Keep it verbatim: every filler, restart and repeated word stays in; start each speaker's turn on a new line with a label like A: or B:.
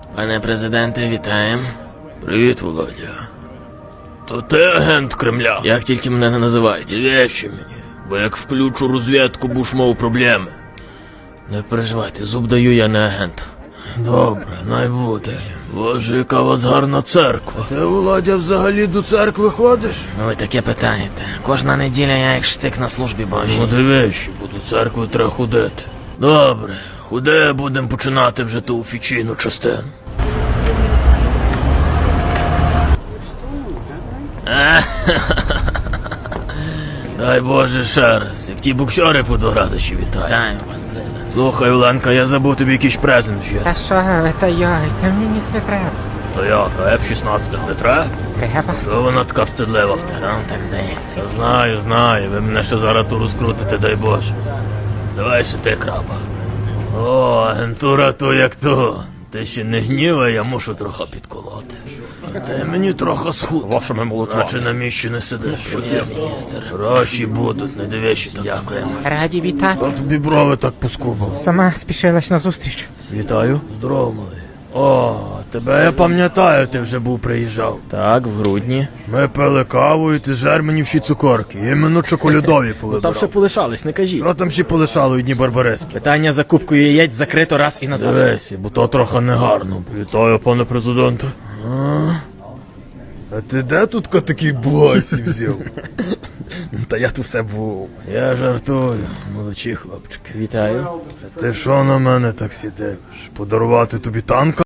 A: Пане президенте, вітаємо.
B: Привіт, Володя. То ти агент Кремля?
A: Як тільки мене не називають.
B: Вещи мені, бо як включу розвідку, будеш мав проблеми.
A: Не переживайте, зуб даю, я не агент.
B: Добре, най буде. Боже, яка у вас гарна церква. Ти, Володя, взагалі до церкви ходиш?
A: Ви таке питаєте. Кожна неділя я як штик на службі Божій.
B: Ну дивись, бо до церкви треба ходити. Добре, худе, будемо починати вже ту офіційну частину. Дай Боже ще раз, як ті боксери по два радощі вітаю.
A: Вітаю, пане президент.
B: Слухай, Оленка, я забув тобі якийсь презент вжити.
C: Та що ви, та йой, та мені ніц не треба.
B: То як, а еф шістнадцять не треба?
C: Треба?
B: Що вона така встидлива в тебе?
A: Вам так здається.
B: Та знаю, знаю, ви мене ще зараз ту розкрутите, дай Боже. Давай ще ти, краба. О, агентура то як то. Ти ще не гнівай, я мушу трохи підколоти. Ти мені трохи схуд.
D: Вашими молитвами.
B: Наче на місці не сидиш.
A: Є, міністр.
B: Гроші будуть, не дивишся так.
A: Дякуємо.
C: Раді вітати.
B: А тобі брови так поскубав.
C: Сама спішилась на зустріч.
B: Вітаю. Здорово, малий. О, тебе я пам'ятаю, ти вже був приїжджав.
A: Так, в грудні.
B: Ми пили каву і ти жер мені всі цукорки. Іменно чоколядові
D: Там ще
B: повибирав.
D: полишались, не кажіть.
B: Що там ще полишало одні барбарески?
D: Питання за кубкою яєць закрито раз і назавжди.
B: Дивись, бо то трохи негарно. Вітаю, пане президенте. А ти де тут такий босі взяв?
D: Та я тут все був.
B: Я жартую, молодші хлопчики.
D: Вітаю.
B: Ти що на мене так сидиш? Подарувати тобі танка?